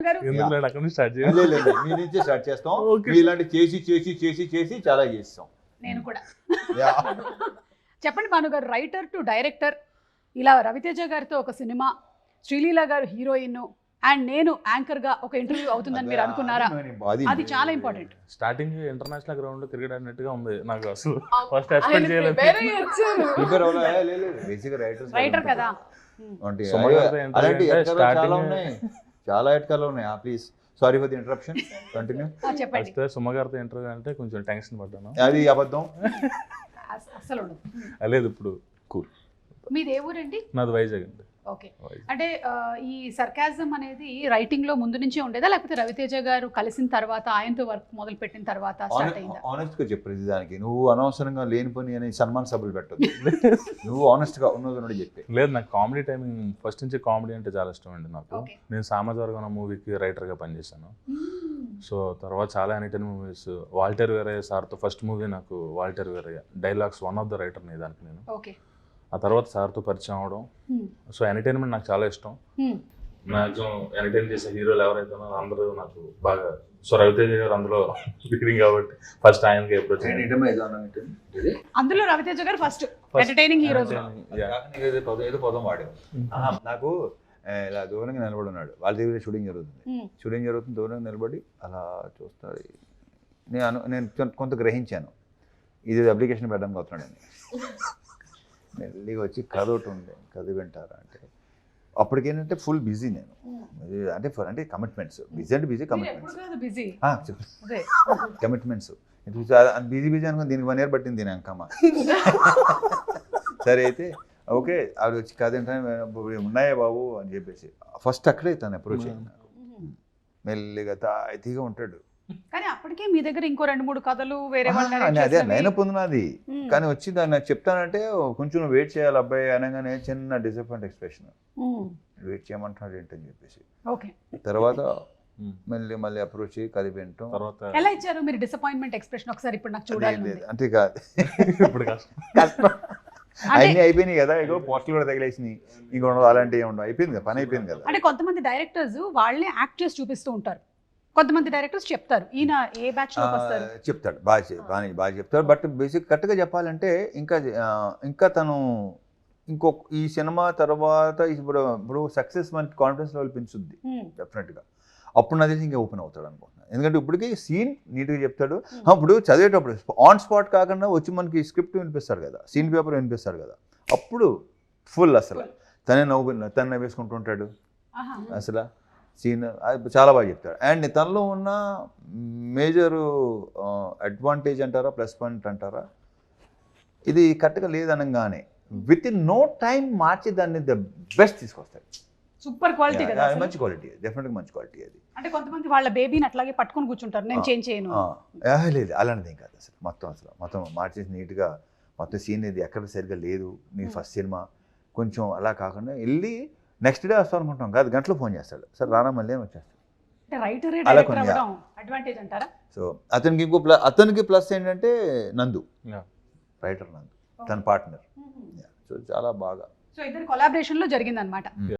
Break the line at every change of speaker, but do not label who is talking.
అక్కడ నుంచి స్టార్ట్ చేయాలి.
లేదు మీ నుంచే స్టార్ట్ చేస్తాం. ఇలాంటి చేసి చేసి చేసి చేసి చాలా చేస్తాం.
నేను కూడా చెప్పండి భానుగారు, రైటర్ టు డైరెక్టర్, ఇలా రవితేజ గారితో ఒక సినిమా, శ్రీలీల గారు హీరోయిన్ అండ్ నేను యాంకర్ గా ఒక ఇంటర్వ్యూ అవుతుందని మీరు అనుకున్నారా? అది చాలా ఇంపార్టెంట్.
స్టార్టింగ్ ఇంటర్నేషనల్ గ్రౌండ్ లో క్రికెట్ ఆడినట్టుగా ఉంది నాకు. అసలు ఫస్ట్ ఎక్స్పెక్ట్ చేయలేదు.
రైటర్ కదా.
చాలా ఎట్కాలు ఉన్నాయి. Please sorry for the interruption, continue.
చెప్పండి.
సుమ గారితో ఇంటర్వ్యూ అంటే కొంచెం టెన్షన్ పడ్డాను.
అది అబద్ధం
అసలు
లేదు. ఇప్పుడు కూల్.
మీది ఏ ఊరండి?
నాది వైజాగ్ అండి.
ఓకే. అంటే ఈ సర్కాజం అనేది రైటింగ్ లో ముందు నుంచే ఉండేదా, లేకపోతే రవితేజ గారు కలిసిన తర్వాత ఆయనతో వర్క్ మొదలు పెట్టిన తర్వాత స్టార్ట్ అయిందా?
ఆనెస్ట్ గా చెప్పు ప్రతి దానికి. నువ్వు అనవసరంగా లేని పని అని సన్మాన్ సభలు పెట్టదు. నువ్వు ఆనెస్ట్ గా ఉన్నది చెప్పి.
లేదు, నాకు కామెడీ టైమింగ్ ఫస్ట్ నుంచి కామెడీ అంటే చాలా ఇష్టం అండి నాకు. నేను సామాజిక మూవీకి రైటర్ గా పనిచేశాను. సో తర్వాత చాలా ఎనీటైన్ మూవీస్, వాల్టర్ వేరయ్య సార్తో ఫస్ట్ మూవీ నాకు Waltair Veerayya dialogues one of the writer ని దానికి నేను. ఆ తర్వాత సార్తో పరిచయం అవడం. సో ఎంటర్టైన్మెంట్ నాకు చాలా ఇష్టం. మ్యాక్సిమం ఎంటర్టైన్ చేసే హీరోలు ఎవరైతే ఉన్నారో అందరూ నాకు బాగా. సో రవితేజ గారు అందులో లీడింగ్ కాబట్టి ఫస్ట్ ఆయనకి అప్రోచ్.
అందులో రవితేజ గారు ఫస్ట్ ఎంటర్టైనింగ్ హీరోస్.
ఏదో పదం వాడారు. నాకు ఇలా దూరంగా నిలబడి ఉన్నాడు, వాళ్ళ దగ్గర షూటింగ్ జరుగుతుంది. దూరంగా నిలబడి అలా చూస్తాడు. నేను కొంత గ్రహించాను, ఇది అప్లికేషన్ పెట్టడానికి అవుతున్నాడని. మెల్లిగా వచ్చి కథ ఒకటి ఉండే, కథ వింటారా అంటే అప్పటికేంటంటే ఫుల్ బిజీ నేను. అంటే కమిట్మెంట్స్, బిజీ అంటే బిజీ, కమిట్మెంట్స్ బిజీ అనుకుని దీనికి 1 year పట్టింది దీని అంకమ్మ. సరే అయితే ఓకే, ఆవిడ వచ్చి కథ ఏంటంటే ఉన్నాయా బాబు అని చెప్పేసి ఫస్ట్ అక్కడే తను అప్రోచ్ అయ్యింది. మెల్లిగా తాయితీగా ఉంటాడు.
కానీ అప్పటికే మీ దగ్గర ఇంకో 2-3 కథలు వేరే
అదే లైనప్ ఉంది నాది. కానీ వచ్చి దాన్ని నాకు చెప్తానంటే కొంచెం వెయిట్ చేయాలి అబ్బాయి అనగానే చిన్న డిసప్పాయింట్ ఎక్స్ప్రెషన్, వెయిట్ చేయమంటున్నాడు ఏంటని చెప్పేసి. తర్వాత మళ్ళీ అప్రోచ్ కథ వింటాం.
ఎలా ఇచ్చారు మీరు డిసప్పాయింట్మెంట్ ఎక్స్ప్రెషన్? ఒకసారి ఇప్పుడు నాకు చూడాలి.
అంటే కాదు, ఇప్పుడు కష్టం. అన్నీ అయిపోయినాయి కదా, ఇగో పోస్టులు కూడా తగిలేసినాయి, ఇంకో అలాంటివి ఉండవు, అయిపోయింది కదా, పని అయిపోయింది కదా.
అంటే కొంతమంది డైరెక్టర్స్ వాళ్ళే యాక్ట్ చేసి చూపిస్తూ ఉంటారు, కొంతమంది డైరెక్టర్స్ చెప్తారు ఈయన ఏ బ్యాచ్ లో వస్తారు
చెప్తాడు, బాగా చెప్తాడు. బట్ బేసిక్ కరెక్ట్గా చెప్పాలంటే ఇంకా తను ఈ సినిమా తర్వాత ఇప్పుడు సక్సెస్ మనకి కాన్ఫిడెన్స్ లెవెల్ పెంచుద్ది డెఫినెట్గా. అప్పుడు నా తెలిసి ఇంకా ఓపెన్ అవుతాడు అనుకుంటున్నాను. ఎందుకంటే ఇప్పటికీ సీన్ నీట్గా చెప్తాడు. ఇప్పుడు చదివేటప్పుడు ఆన్ స్పాట్ కాకుండా వచ్చి మనకి స్క్రిప్ట్ వినిపిస్తాడు కదా, సీన్ పేపర్ వినిపిస్తాడు కదా, అప్పుడు ఫుల్ అసలు తనే వేసుకుంటూ ఉంటాడు. అసలు సీన్ చాలా బాగా చెప్తాడు. అండ్ తనలో ఉన్న మేజర్ అడ్వాంటేజ్ అంటారా, ప్లస్ పాయింట్ అంటారా, ఇది కరెక్ట్గా లేదనగానే విత్ ఇన్ నో టైం మార్చి దాన్ని ద బెస్ట్ తీసుకొస్తాడు.
సూపర్ క్వాలిటీ కదా,
మంచి క్వాలిటీ, డెఫినెట్గా మంచి క్వాలిటీ అది.
అంటే కొంతమంది వాళ్ళ బేబీని అట్లాగే పట్టుకొని కూర్చుంటారు, నేను చేంజ్ చేయను.
లేదు అలాంటిది కాదు అసలు. మొత్తం మార్చేసి నీట్గా మొత్తం సీన్ ఇది ఎక్కడ సరిగ్గా లేదు, నీ ఫస్ట్ సినిమా కొంచెం అలా కాకుండా వెళ్ళి నెక్స్ట్ డే వస్తాం అనుకుంటాం కాదు, గంటలో ఫోన్ చేస్తాడు, సార్ రానా మళ్ళీ అని వచ్చేస్తాడు. సో అతనికి ప్లస్ ఏంటంటే నందు, రైటర్ నందు తన పార్ట్నర్. సో చాలా బాగా,
సో ఇద్దరు కొలాబరేషన్ లో జరిగింది అనమాట.